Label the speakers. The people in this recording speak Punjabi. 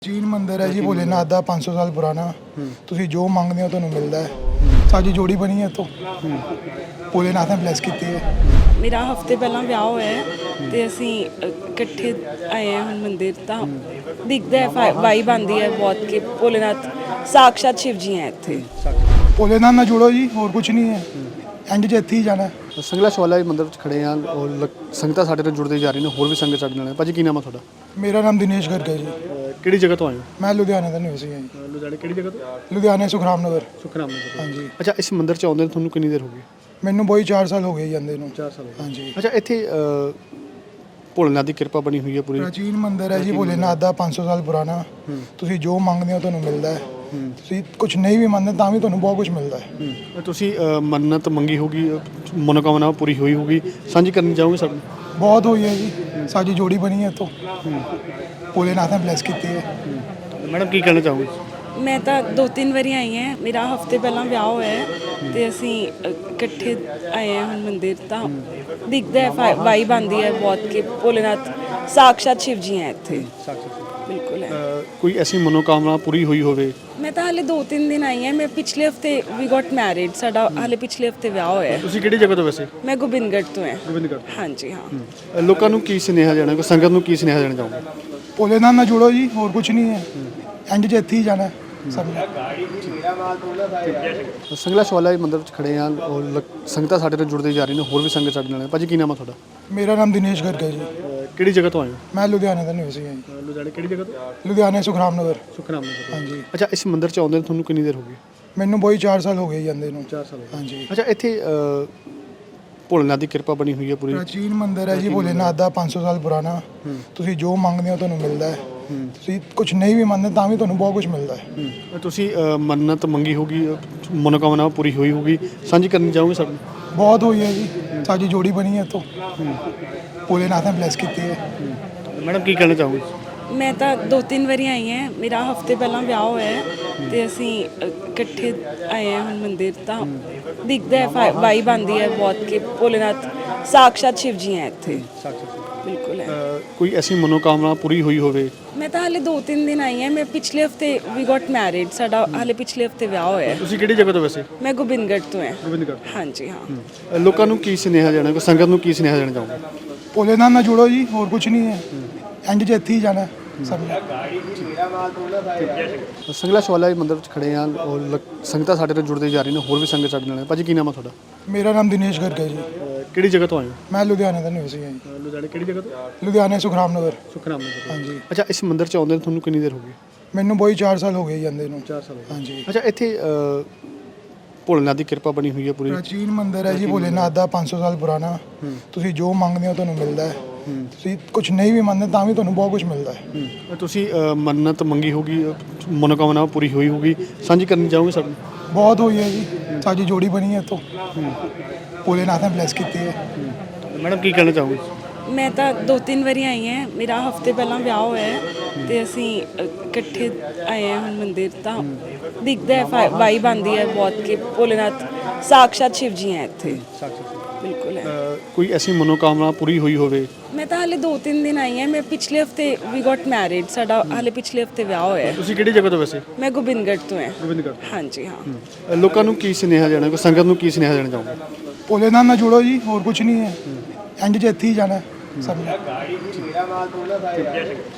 Speaker 1: ਚੀਨ ਮੰਦਿਰ ਹੈ ਜੀ ਭੋਲੇਨਾਥ ਦਾ 500 ਸਾਲ ਪੁਰਾਣਾ। ਤੁਸੀਂ ਜੋ ਮੰਗਦੇ ਹੋ ਤੁਹਾਨੂੰ ਮਿਲਦਾ ਹੈ। ਸਾਡੀ ਜੋੜੀ ਬਣੀ ਹੈ ਇੱਥੋਂ, ਭੋਲੇਨਾਥ ਨੇ ਬਲੈਸ ਕੀਤੀ ਹੈ।
Speaker 2: ਮੇਰਾ ਹਫਤੇ ਪਹਿਲਾਂ ਵਿਆਹ ਹੋਇਆ ਹੈ ਤੇ ਅਸੀਂ ਇਕੱਠੇ ਆਏ ਹਾਂ ਹੁਣ ਮੰਦਿਰ। ਤਾਂ ਦਿਖਦਾ ਹੈ ਵਾਈਬ ਆਉਂਦੀ ਹੈ ਬਹੁਤ ਕਿ ਭੋਲੇਨਾਥ ਸਾਕਸ਼ਾਤ ਸ਼ਿਵ ਜੀ ਹੈ ਇੱਥੇ।
Speaker 1: ਭੋਲੇਨਾਥ ਨਾਲ ਜੁੜੋ ਜੀ, ਹੋਰ ਕੁਝ ਨਹੀਂ ਹੈ। ਐਂਡ 'ਚ ਇੱਥੇ ਹੀ ਜਾਣਾ।
Speaker 3: ਸੰਗਲਾ ਸ਼ਵਾਲਾ ਮੰਦਿਰ ਵਿੱਚ ਖੜੇ ਹਾਂ ਔਰ ਸੰਗਤਾਂ ਸਾਡੇ ਨਾਲ ਜੁੜਦੇ ਜਾ ਰਹੀਆਂ ਨੇ, ਹੋਰ ਵੀ ਸੰਗਤ ਸਾਡੇ ਨਾਲ ਹੈ। ਭਾਜੀ ਕੀ ਨਾਮ ਹੈ ਤੁਹਾਡਾ?
Speaker 1: ਮੇਰਾ ਨਾਮ ਦਿਨੇਸ਼ ਗਰਗ ਹੈ ਜੀ।
Speaker 3: ਕਿਹੜੀ ਜਗ੍ਹਾ ਤੋਂ ਆਏ ਹੋ?
Speaker 1: ਮੈਂ ਲੁਧਿਆਣੇ ਦਾ ਨਿਵਾਸੀ ਹਾਂ ਜੀ।
Speaker 3: ਲੁਧਿਆਣੇ ਕਿਹੜੀ ਜਗ੍ਹਾ ਤੋਂ?
Speaker 1: ਲੁਧਿਆਣੇ ਸੁਖਰਾਮ ਨਗਰ।
Speaker 3: ਸੁਖਰਾਮ ਨਗਰ।
Speaker 1: ਹਾਂਜੀ।
Speaker 3: ਅੱਛਾ, ਇਸ ਮੰਦਿਰ 'ਚ ਆਉਂਦੇ ਤੁਹਾਨੂੰ ਕਿੰਨੀ ਦੇਰ ਹੋ ਗਈ?
Speaker 1: ਮੈਨੂੰ ਬਈ 4 ਸਾਲ ਹੋ ਗਏ ਜਾਂਦੇ ਨੂੰ।
Speaker 3: 4 ਸਾਲ ਹੋ ਗਏ।
Speaker 1: ਹਾਂਜੀ।
Speaker 3: ਅੱਛਾ, ਇੱਥੇ ਭੋਲੇਨਾਥ ਦੀ ਕਿਰਪਾ ਬਣੀ ਹੋਈ ਹੈ ਪੂਰੀ।
Speaker 1: ਪ੍ਰਾਚੀਨ ਮੰਦਿਰ ਹੈ ਜੀ ਭੋਲੇਨਾਥ ਦਾ 500 ਸਾਲ ਪੁਰਾਣਾ। ਤੁਸੀਂ ਜੋ ਮੰਗਦੇ ਹੋ ਤੁਹਾਨੂੰ ਮਿਲਦਾ ਹੈ। ਤੁਸੀਂ ਕੁਝ ਨਹੀਂ ਵੀ ਮੰਨਦੇ ਤਾਂ ਵੀ ਤੁਹਾਨੂੰ ਬਹੁਤ ਕੁਝ ਮਿਲਦਾ ਹੈ।
Speaker 3: ਤੁਸੀਂ ਮੰਨਤ ਮੰਗੀ ਹੋਗੀ, ਮਨੋਕਾਮਨਾ ਪੂਰੀ ਹੋਈ ਹੋਗੀ, ਸਾਂਝੀ ਕਰਨੀ ਚਾਹੋਗੇ ਸਭ?
Speaker 1: ਬਹੁਤ ਹੋਈ ਹੈ ਜੀ। ਸਾਡੀ ਜੋੜੀ ਬਣੀ ਹੈ ਇੱਥੋਂ, ਭੋਲੇਨਾਥ ਨੇ ਬਲੈਸ ਕੀਤੀ ਹੈ।
Speaker 3: ਮੈਡਮ ਕੀ ਕਹਿਣਾ ਚਾਹੋਗੇ?
Speaker 2: ਮੈਂ ਤਾਂ 2-3 ਵਾਰੀ ਆਈ ਹਾਂ। ਮੇਰਾ ਹਫਤੇ ਪਹਿਲਾਂ ਵਿਆਹ ਹੋਇਆ ਹੈ ਤੇ ਅਸੀਂ ਇਕੱਠੇ ਆਏ ਹਾਂ ਹੁਣ ਮੰਦਿਰ। ਤਾਂ ਦਿਖਦਾ ਹੈ ਵਾਈਬ ਆਉਂਦੀ ਹੈ ਬਹੁਤ ਕਿ ਭੋਲੇਨਾਥ ਸਾਕਸ਼ਾਤ ਸ਼ਿਵ ਜੀ ਹੈ ਇੱਥੇ। ਬਿਲਕੁਲ ਹੈ।
Speaker 3: ਕੋਈ ਐਸੀ ਮਨੋਕਾਮਨਾ ਪੂਰੀ ਹੋਈ ਹੋਵੇ?
Speaker 2: ਮੈਂ ਤਾਂ ਹਾਲੇ 2-3 ਦਿਨ ਆਈ ਹਾਂ। ਮੈਂ ਪਿਛਲੇ ਹਫਤੇ ਵੀ ਗੋਟ ਮੈਰਿਡ। ਸਾਡਾ ਹਾਲੇ ਪਿਛਲੇ ਹਫਤੇ ਵਿਆਹ ਹੋਇਆ ਹੈ।
Speaker 3: ਤੁਸੀਂ ਕਿਹੜੀ ਜਗ੍ਹਾ ਤੋਂ ਵੈਸੇ?
Speaker 2: ਮੈਂ ਗੋਬਿੰਦਗੜ੍ਹ ਤੋਂ ਹਾਂ।
Speaker 3: ਗੋਬਿੰਦਗੜ੍ਹ।
Speaker 2: ਹਾਂਜੀ ਹਾਂ।
Speaker 3: ਲੋਕਾਂ ਨੂੰ ਕੀ ਸੁਨੇਹਾ ਦੇਣਾ, ਕੋਈ ਸੰਗਤ ਨੂੰ ਕੀ ਸੁਨੇਹਾ ਦੇਣਾ ਚਾਹੋਗੇ?
Speaker 1: ਭੋਲੇਨਾਥ ਨਾਲ ਜੁੜੋ ਜੀ, ਹੋਰ ਕੁਝ ਨਹੀਂ ਹੈ। ਐਂਡ 'ਚ ਇੱਥੇ ਹੀ ਜਾਣਾ ਸਭ ਨੇ।
Speaker 3: ਸੰਗਲਾ ਸ਼ਵਾਲਾ ਮੰਦਿਰ ਵਿੱਚ ਖੜੇ ਹਾਂ ਔਰ ਸੰਗਤਾਂ ਸਾਡੇ ਨਾਲ ਜੁੜਦੇ ਜਾ ਰਹੀਆਂ ਨੇ, ਹੋਰ ਵੀ ਸੰਗਤ ਸਾਡੇ ਨਾਲ ਹੈ। ਭਾਜੀ ਕੀ ਨਾਮ ਹੈ ਤੁਹਾਡਾ?
Speaker 1: ਮੇਰਾ ਨਾਮ ਦਿਨੇਸ਼ ਗਰਗ ਹੈ ਜੀ।
Speaker 3: ਕਿਹੜੀ ਜਗ੍ਹਾ ਤੋਂ ਆਏ ਹੋ?
Speaker 1: ਮੈਂ ਲੁਧਿਆਣੇ ਦਾ ਨਿਵਾਸੀ ਹਾਂ ਜੀ।
Speaker 3: ਲੁਧਿਆਣੇ ਕਿਹੜੀ ਜਗ੍ਹਾ ਤੋਂ?
Speaker 1: ਲੁਧਿਆਣੇ ਸੁਖਰਾਮ ਨਗਰ।
Speaker 3: ਸੁਖਰਾਮ ਨਗਰ।
Speaker 1: ਹਾਂਜੀ।
Speaker 3: ਅੱਛਾ, ਇਸ ਮੰਦਿਰ 'ਚ ਆਉਂਦੇ ਤੁਹਾਨੂੰ ਕਿੰਨੀ ਦੇਰ ਹੋ ਗਈ?
Speaker 1: ਮੈਨੂੰ ਬਈ 4 ਸਾਲ ਹੋ ਗਏ ਜਾਂਦੇ ਨੂੰ।
Speaker 3: 4 ਸਾਲ ਹੋ ਗਏ।
Speaker 1: ਹਾਂਜੀ।
Speaker 3: ਅੱਛਾ, ਇੱਥੇ ਭੋਲੇਨਾਥ ਦੀ ਕਿਰਪਾ ਬਣੀ ਹੋਈ ਹੈ ਪੂਰੀ।
Speaker 1: ਪ੍ਰਾਚੀਨ ਮੰਦਿਰ ਹੈ ਜੀ ਭੋਲੇਨਾਥ ਦਾ 500 ਸਾਲ ਪੁਰਾਣਾ। ਤੁਸੀਂ ਜੋ ਮੰਗਦੇ ਹੋ ਤੁਹਾਨੂੰ ਮਿਲਦਾ ਹੈ। ਤੁਸੀਂ ਕੁਝ ਨਹੀਂ ਵੀ ਮੰਨਦੇ ਤਾਂ ਵੀ ਤੁਹਾਨੂੰ ਬਹੁਤ ਕੁਝ ਮਿਲਦਾ ਹੈ।
Speaker 3: ਤੁਸੀਂ ਮੰਨਤ ਮੰਗੀ ਹੋਗੀ, ਮਨੋਕਾਮਨਾ ਪੂਰੀ ਹੋਈ ਹੋਗੀ, ਸਾਂਝੀ ਕਰਨੀ ਚਾਹੋਗੇ ਸਭ?
Speaker 1: ਬਹੁਤ ਹੋਈ ਹੈ ਜੀ। ਸਾਡੀ ਜੋੜੀ ਬਣੀ ਹੈ ਇੱਥੋਂ, ਭੋਲੇਨਾਥ ਨੇ ਬਲੈਸ ਕੀਤੀ ਹੈ।
Speaker 3: ਮੈਡਮ ਕੀ ਕਹਿਣਾ ਚਾਹੋਗੇ?
Speaker 2: ਮੈਂ ਤਾਂ 2-3 ਵਾਰੀ ਆਈ ਹਾਂ। ਮੇਰਾ ਹਫਤੇ ਪਹਿਲਾਂ ਵਿਆਹ ਹੋਇਆ ਹੈ ਤੇ ਅਸੀਂ ਇਕੱਠੇ ਆਏ ਹਾਂ ਹੁਣ ਮੰਦਿਰ। ਤਾਂ ਦਿਖਦਾ ਹੈ ਵਾਈਬ ਆਉਂਦੀ ਹੈ ਬਹੁਤ ਕਿ ਭੋਲੇਨਾਥ ਸਾਕਸ਼ਾਤ ਸ਼ਿਵ ਜੀ ਹੈ ਇੱਥੇ। ਬਿਲਕੁਲ ਹੈ।
Speaker 3: ਕੋਈ ਐਸੀ ਮਨੋਕਾਮਨਾ ਪੂਰੀ ਹੋਈ ਹੋਵੇ?
Speaker 2: ਮੈਂ ਤਾਂ ਹਾਲੇ 2-3 ਦਿਨ ਆਈ ਹਾਂ। ਮੈਂ ਪਿਛਲੇ ਹਫਤੇ ਵੀ ਗੋਟ ਮੈਰਿਡ। ਸਾਡਾ ਹਾਲੇ ਪਿਛਲੇ ਹਫਤੇ ਵਿਆਹ ਹੋਇਆ ਹੈ।
Speaker 3: ਤੁਸੀਂ ਕਿਹੜੀ ਜਗ੍ਹਾ ਤੋਂ ਵੈਸੇ?
Speaker 2: ਮੈਂ ਗੋਬਿੰਦਗੜ੍ਹ ਤੋਂ ਹਾਂ।
Speaker 3: ਗੋਬਿੰਦਗੜ੍ਹ।
Speaker 2: ਹਾਂਜੀ ਹਾਂ।
Speaker 3: ਲੋਕਾਂ ਨੂੰ ਕੀ ਸੁਨੇਹਾ ਦੇਣਾ, ਕੋਈ ਸੰਗਤ ਨੂੰ ਕੀ ਸੁਨੇਹਾ ਦੇਣਾ ਚਾਹੋਗੇ?
Speaker 1: ਭੋਲੇਨਾਥ ਨਾਲ ਜੁੜੋ ਜੀ, ਹੋਰ ਕੁਝ ਨਹੀਂ ਹੈ। ਐਂਡ 'ਚ ਇੱਥੇ ਹੀ ਜਾਣਾ ਸਭ ਨੇ।
Speaker 3: ਸੰਗਲਾ ਸ਼ਵਾਲਾ ਮੰਦਿਰ ਵਿੱਚ ਖੜੇ ਹਾਂ ਔਰ ਸੰਗਤਾਂ ਸਾਡੇ ਨਾਲ ਜੁੜਦੇ ਜਾ ਰਹੀਆਂ ਨੇ, ਹੋਰ ਵੀ ਸੰਗਤ ਸਾਡੇ ਨਾਲ ਹੈ। ਭਾਜੀ ਕੀ ਨਾਮ ਹੈ ਤੁਹਾਡਾ?
Speaker 1: ਮੇਰਾ ਨਾਮ ਦਿਨੇਸ਼ ਗਰਗ ਹੈ ਜੀ।
Speaker 3: ਕਿਹੜੀ ਜਗ੍ਹਾ ਤੋਂ ਆਏ ਹੋ?
Speaker 1: ਮੈਂ ਲੁਧਿਆਣੇ ਦਾ ਨਿਵਾਸੀ ਹਾਂ ਜੀ।
Speaker 3: ਲੁਧਿਆਣੇ ਕਿਹੜੀ ਜਗ੍ਹਾ ਤੋਂ?
Speaker 1: ਲੁਧਿਆਣੇ ਸੁਖਰਾਮ ਨਗਰ।
Speaker 3: ਸੁਖਰਾਮ ਨਗਰ।
Speaker 1: ਹਾਂਜੀ।
Speaker 3: ਅੱਛਾ, ਇਸ ਮੰਦਿਰ 'ਚ ਆਉਂਦੇ ਤੁਹਾਨੂੰ ਕਿੰਨੀ ਦੇਰ ਹੋ ਗਈ?
Speaker 1: ਮੈਨੂੰ ਬਈ 4 ਸਾਲ ਹੋ ਗਏ ਜਾਂਦੇ ਨੂੰ।
Speaker 3: 4 ਸਾਲ ਹੋ ਗਏ।
Speaker 1: ਹਾਂਜੀ।
Speaker 3: ਅੱਛਾ, ਇੱਥੇ ਭੋਲੇਨਾਥ ਦੀ ਕਿਰਪਾ ਬਣੀ ਹੋਈ ਹੈ ਪੂਰੀ।
Speaker 1: ਪ੍ਰਾਚੀਨ ਮੰਦਿਰ ਹੈ ਜੀ ਭੋਲੇਨਾਥ ਦਾ 500 ਸਾਲ ਪੁਰਾਣਾ। ਤੁਸੀਂ ਜੋ ਮੰਗਦੇ ਹੋ ਤੁਹਾਨੂੰ ਮਿਲਦਾ ਹੈ। ਤੁਸੀਂ ਕੁਝ ਨਹੀਂ ਵੀ ਮੰਨਦੇ ਤਾਂ ਵੀ ਤੁਹਾਨੂੰ ਬਹੁਤ ਕੁਝ ਮਿਲਦਾ ਹੈ।
Speaker 3: ਤੁਸੀਂ ਮੰਨਤ ਮੰਗੀ ਹੋਗੀ, ਮਨੋਕਾਮਨਾ ਪੂਰੀ ਹੋਈ ਹੋਗੀ, ਸਾਂਝੀ ਕਰਨੀ ਚਾਹੋਗੇ ਸਭ?
Speaker 1: ਬਹੁਤ ਹੋਈ ਹੈ ਜੀ। ਸਾਡੀ ਜੋੜੀ ਬਣੀ ਹੈ ਇੱਥੋਂ, ਭੋਲੇਨਾਥ ਨੇ ਬਲੈਸ ਕੀਤੀ ਹੈ।
Speaker 3: ਮੈਡਮ ਕੀ ਕਹਿਣਾ ਚਾਹੋਗੇ?
Speaker 2: ਮੈਂ ਤਾਂ 2-3 ਵਾਰੀ ਆਈ ਹਾਂ। ਮੇਰਾ ਹਫਤੇ ਪਹਿਲਾਂ ਵਿਆਹ ਹੋਇਆ ਹੈ ਤੇ ਅਸੀਂ ਇਕੱਠੇ ਆਏ ਹਾਂ ਹੁਣ ਮੰਦਿਰ। ਤਾਂ ਦਿਖਦਾ ਹੈ ਵਾਈਬ ਆਉਂਦੀ ਹੈ ਬਹੁਤ ਕਿ ਭੋਲੇਨਾਥ ਸਾਕਸ਼ਾਤ ਸ਼ਿਵ ਜੀ ਹੈ ਇੱਥੇ। ਬਿਲਕੁਲ ਹੈ।
Speaker 3: ਕੋਈ ਐਸੀ ਮਨੋਕਾਮਨਾ ਪੂਰੀ ਹੋਈ ਹੋਵੇ?
Speaker 2: ਮੈਂ ਤਾਂ ਹਾਲੇ 2-3 ਦਿਨ ਆਈ ਹਾਂ। ਮੈਂ ਪਿਛਲੇ ਹਫਤੇ ਵੀ ਗੋਟ ਮੈਰਿਡ। ਸਾਡਾ ਹਾਲੇ ਪਿਛਲੇ ਹਫਤੇ ਵਿਆਹ ਹੋਇਆ ਹੈ।
Speaker 3: ਤੁਸੀਂ ਕਿਹੜੀ ਜਗ੍ਹਾ ਤੋਂ ਵੈਸੇ?
Speaker 2: ਮੈਂ ਗੋਬਿੰਦਗੜ੍ਹ ਤੋਂ ਹਾਂ।
Speaker 3: ਗੋਬਿੰਦਗੜ੍ਹ।
Speaker 2: ਹਾਂਜੀ ਹਾਂ।
Speaker 3: ਲੋਕਾਂ ਨੂੰ ਕੀ ਸੁਨੇਹਾ ਦੇਣਾ, ਕੋਈ ਸੰਗਤ ਨੂੰ ਕੀ ਸੁਨੇਹਾ ਦੇਣਾ ਚਾਹੋਗੇ?
Speaker 1: ਭੋਲੇਨਾਥ ਨਾਲ ਜੁੜੋ ਜੀ, ਹੋਰ ਕੁਝ ਨਹੀਂ ਹੈ। ਐਂਡ 'ਚ ਇੱਥੇ ਹੀ ਜਾਣਾ ਸਭ ਨੇ।